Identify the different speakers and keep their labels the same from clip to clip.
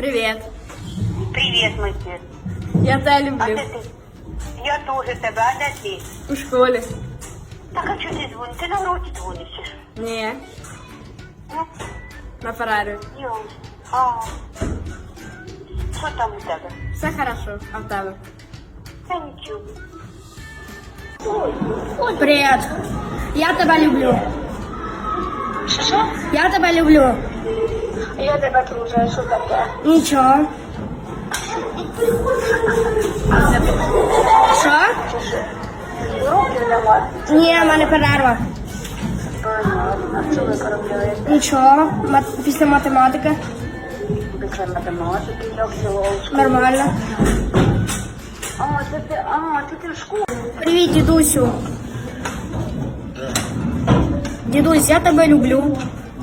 Speaker 1: Привет.
Speaker 2: Привет, мой свет.
Speaker 1: Я тебя
Speaker 2: А
Speaker 1: люблю.
Speaker 2: де ти? Я тоже тебе, а де ти?
Speaker 1: У школе.
Speaker 2: Так, а чого ти дзвониш? Ти на уроці дзвониш? чи ж?
Speaker 1: Не,
Speaker 2: Ну,
Speaker 1: на перерві.
Speaker 2: йо. А. Що там у тебе?
Speaker 1: Все хорошо, а в тебе?
Speaker 2: Та нічого.
Speaker 1: Привет. Я тебя люблю.
Speaker 2: Що?
Speaker 1: Я тебя люблю.
Speaker 2: Я тебе дуже, що таке?
Speaker 1: Нічого. Що?
Speaker 2: Уроків нема.
Speaker 1: Ні, в мене перерва.
Speaker 2: Понятно. А що ви коробляєте?
Speaker 1: Нічого. Після математики.
Speaker 2: Після математики, як діло?
Speaker 1: Нормально.
Speaker 2: Це ти в школі?
Speaker 1: Привіт, дідусю. Дідусь, я тебе люблю.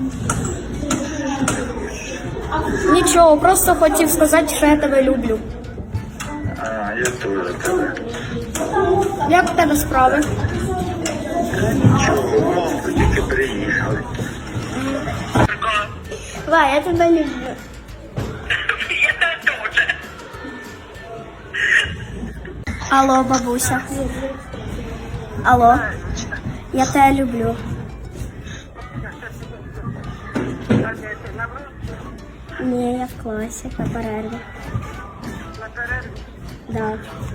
Speaker 1: Нічого, просто хотів сказати, що я тебе люблю.
Speaker 3: А, я тоже тебе.
Speaker 1: Як у тебе справи?
Speaker 3: Нічого, мамку тільки приїхали.
Speaker 1: Ва, я тебе люблю. Алло, бабуся. Алло. Я тебе люблю. Ні, я в класі, на перерві. Да.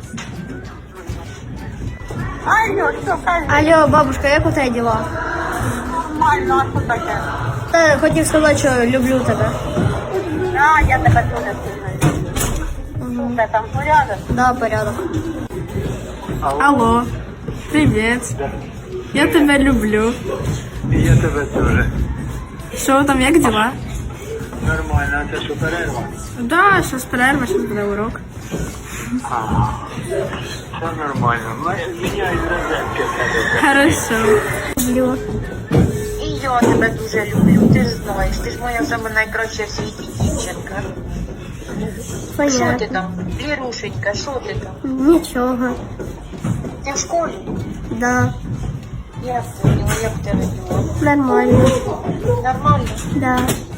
Speaker 2: Алло, що кажеш?
Speaker 1: Алло, бабушка, як у тебе діла?
Speaker 2: Нормально, а що таке?
Speaker 1: Та хотів сказати, що люблю тебе.
Speaker 2: А, я тебе дуже сильно люблю. Що це там порядок?
Speaker 1: Да, порядок.
Speaker 4: Алло, привет. Я тебе люблю.
Speaker 3: І я тебе теж.
Speaker 4: Що там, як діла?
Speaker 3: Нормально, а це що перерва?
Speaker 4: Да, щас перерва, щас буде урок.
Speaker 3: Ага. Все нормально. Міняй розетки в тебе.
Speaker 4: Хорошо.
Speaker 1: Люблю.
Speaker 2: І я тебе дуже люблю, ти ж знаєш, ти ж моя саме найкраща в світі дівчинка. Що ти
Speaker 1: Понятно.
Speaker 2: там? Вірушенька, що ти там?
Speaker 1: Нічого.
Speaker 2: Ти в школі?
Speaker 1: Да.
Speaker 2: Я поняла, як в тебе діла.
Speaker 1: Нормально.
Speaker 2: Нормально?
Speaker 1: Да.